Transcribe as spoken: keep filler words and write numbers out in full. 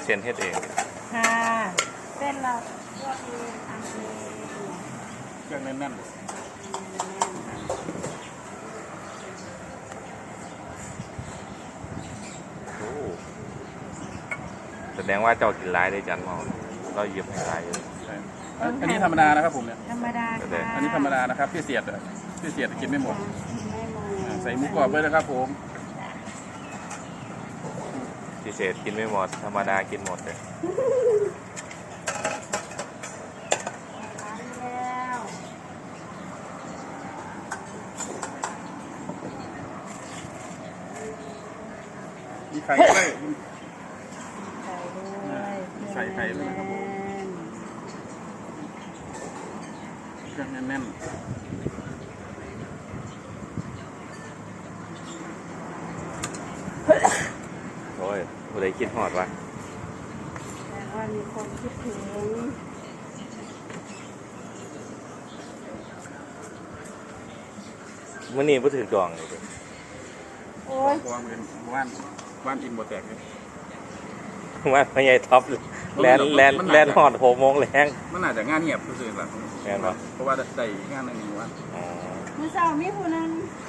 เส้นเฮ็ดเองค่ะเส้นเราก็เองทำเองเครื่องแน่นโอ้แสดงว่าเจ้ากินหลายได้จันมองเราหยิบให้หลายเลยๆอันนี้ธรรมดานะครับผมเนี่ยธรรมดาค่ะอันนี้ธรรมดานะครับพี่เสียดอะพี่เสียดกินไม่หมดไม่หมดใส่หมูกรอบไว้นะครับผมพิเศษกินไม่หมดธรรมดากินหมดเลยแล้วมีไข่ด้วยใส่ด้วยใส่ไข่ด้วยนะครับผม เครื่องแน่นโอ้ยผู้ใดคิดฮอดวะแต่ว่ามีคนคิดถึงมื้อนี้บ่ถือดองเลยโอ้ยๆวางเป็นว่านว่านอินบดแตกเลยว่าพ่อใหญ่ท็อปแลนแลนแลนฮอดหกโมงแรงมันน่าจะงานเงียบคือๆแบบแม่นบ่เพราะว่าได้งานในนี้ว่าอ๋อมื้อเช้ามีผู้นึง